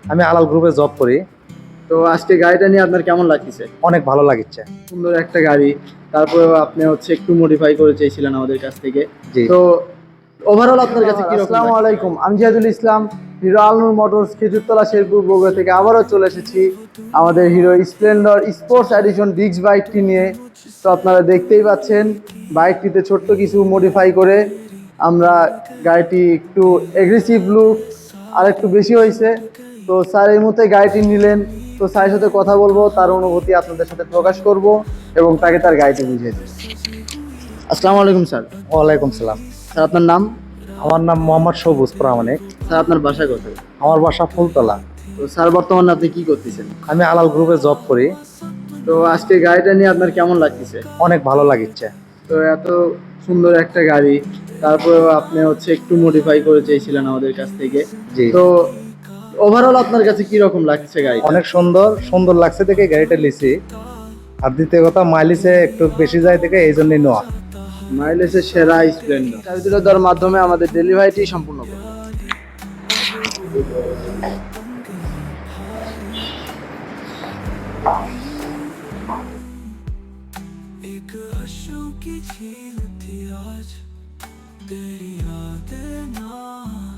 আমি আলাল গ্রুপে জব করি। তো আজকে গাড়িটা নিয়ে আপনার কেমন লাগতেছে? অনেক ভালো লাগছে। সুন্দর একটা গাড়ি, তারপরে আপনি একটু মডিফাই করে চেয়েছিলেন আমাদের কাছ থেকে। জি। তো ওভারঅল আপনার কাছে কি রকম? আসসালামু আলাইকুম, আমি জিয়াদুল ইসলাম, হিরো আলনুর মোটরস খেজুরতলা শেরপুর বগুড়া থেকে আবারও চলে এসেছি আমাদের hero splendor sports edition disc বাইকটি নিয়ে। তো আপনারা দেখতেই পাচ্ছেন বাইকটিতে ছোট্ট কিছু মডিফাই করে আমরা গাড়িটি একটু এগ্রেসিভ লুক আর একটু বেশি হয়েছে। তো স্যার এই মুহূর্তে গাড়িটি নিলেন, তো স্যারের সাথে কথা বলবো, তার অনুভূতি আপনাদের সাথে প্রকাশ করব এবং তাকে তার গাড়িটি বুঝিয়ে দেব। আসসালামু আলাইকুম স্যার। ওয়ালাইকুম সালাম। স্যার আপনার নাম? আমার নাম মোহাম্মদ সবুজ প্রামাণিক। স্যার আপনার বাসা কোথায়? আমার বাসা ফুলতলা। তো স্যার বর্তমানে আপনি কি করতেছেন? আমি আলাল গ্রুপে জব করি। তো আজকে গাড়িটা নিয়ে আপনার কেমন লাগতেছে? অনেক ভালো লাগছে। তো এত সুন্দর একটা গাড়ি, তারপরেও আপনি একটু মডিফাই করে চেয়েছিলেন আমাদের কাছ থেকে। জি। তো ওভারঅল আপনার কাছে কি রকম লাগছে গাড়ি? অনেক সুন্দর সুন্দর লাগছে দেখে গাড়িটা নিছি। আর দ্বিতীয় কথা মাইলেজে একটু বেশি যায় দেখে এই জন্যই নেওয়া। মাইলেজের সেরা স্প্লেন্ডার। চাবি তুলে দেওয়ার মাধ্যমে আমাদের ডেলিভারিটি সম্পূর্ণ করব। एक अश्कों की झील थी आज तेरी यादें ना